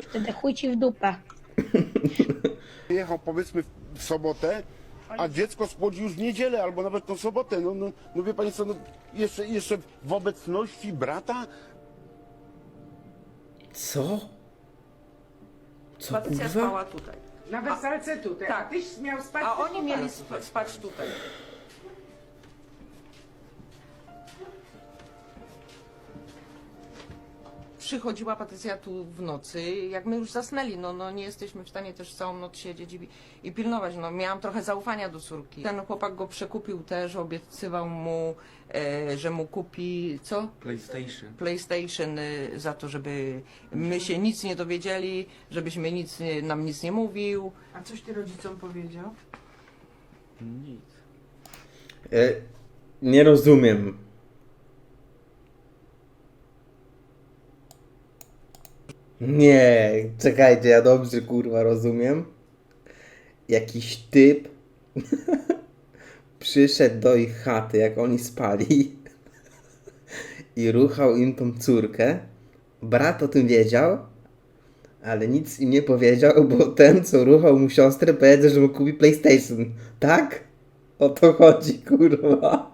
wtedy chuj ci w dupę. Jechał powiedzmy w sobotę, a dziecko spłodzi już w niedzielę albo nawet tą sobotę. No wie pani co, no, jeszcze w obecności brata? Co? Co Patrycja kurwa? spała tutaj. Na wersalce tutaj. Tak. A tyś miał spać A w tym oni mieli pokoju. spać tutaj. Przychodziła Patrycja tu w nocy, jak my już zasnęli, no nie jesteśmy w stanie też całą noc siedzieć i pilnować, no miałam trochę zaufania do córki. Ten chłopak go przekupił też, obiecywał mu, że mu kupi, co? PlayStation za to, żeby my się nic nie dowiedzieli, żebyśmy nam nic nie mówił. A coś ty rodzicom powiedział? Nie rozumiem. Nie, czekajcie, ja dobrze kurwa rozumiem. Jakiś typ przyszedł do ich chaty, jak oni spali i ruchał im tą córkę. Brat o tym wiedział, ale nic im nie powiedział, bo ten, co ruchał mu siostrę, powiedział, że mu kupi PlayStation. Tak? O to chodzi, kurwa.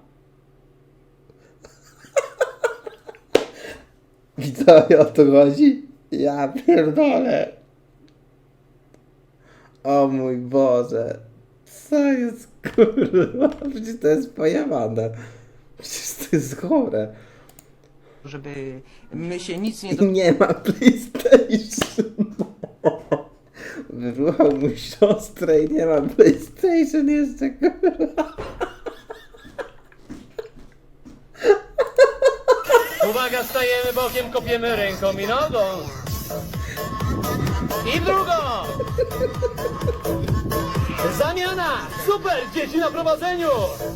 Widzowie, o to chodzi? Ja pierdolę. O mój Boże. Co jest, kurwa? Przecież to jest pojebane. Przecież to jest chore. Żeby my się nic nie I nie ma PlayStation. Wyruchał mu siostrę i nie ma PlayStation jeszcze, kurwa. Uwaga, stajemy bokiem, kopiemy ręką i nogą. I w drugą. Zamiana! Super! Dzieci na prowadzeniu!